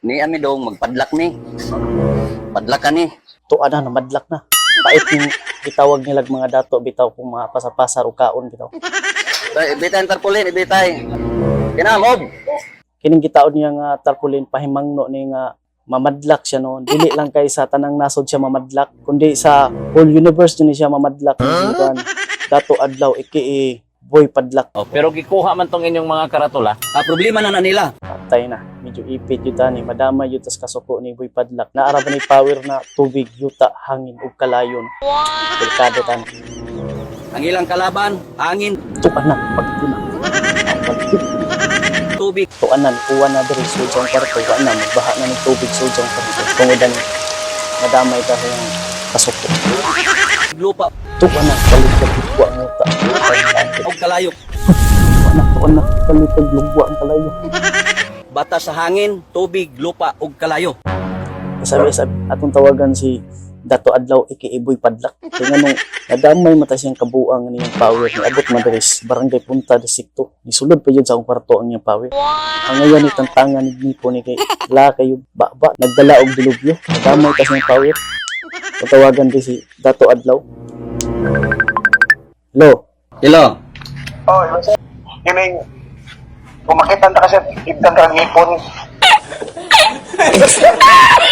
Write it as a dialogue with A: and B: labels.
A: Ni ami dong magpadlak ni. Padlak ka ni.
B: Tuwa na, namadlak na. Pait yung itawag nilag mga dato, bitaw kung mga pasapasar o kaon, bitaw.
A: Ibitay ang tarpulin, ibitay. Kinamob.
B: Kining gitaon niya nga tarpaulin, pahimangno ni nga mamadlak siya noon. Dili lang kay sa tanang nasod siya mamadlak, kundi sa whole universe ni siya mamadlak. Dato adlaw, iki boy padlak.
C: Pero gikuha man tong inyong mga karatula.
A: Problema na nila.
B: Patay na. Medyo ipit yun tani. Madama yun tas kasuko ni boy padlak. Naara ba ni power na tubig, yuta, hangin, ug kalayon. Delikado tani.
A: Ang ilang kalaban, angin,
B: Tuan na, pagtuna.
A: tubig.
B: Tuan na, uwan na diri sudyang kwarto. Tuan na, magbaha na ng tubig sudyang kwarto. Tungodan, madamay ka sa yung kasuko.
A: Lupa
B: Tuan na, kalipag lugwa ang yuta.
A: o kalayo.
B: Tuan na, kalipag lugwa ang kalayo.
A: Bata sa hangin, tubig, lupa o kalayo.
B: Sabi, atong tawagan si Dato Adlaw Ikiiboy Padlak. Kaya nung nadamay mata siyang kabuang niyang power ni abot madaris Barangay Punta Distrito. Nisulod pa yun sa akong kwarto ang niyang power. Ang ngayon ni tantangan ni Nipo ni kay la kayo baba nagdala og dilubyo. Nadamay ta siyang power. Kung tawagan din si Dato Adlaw. Hello.
A: Hello.
D: Oh, kining kung makita na kasi igdan ka ng ipon.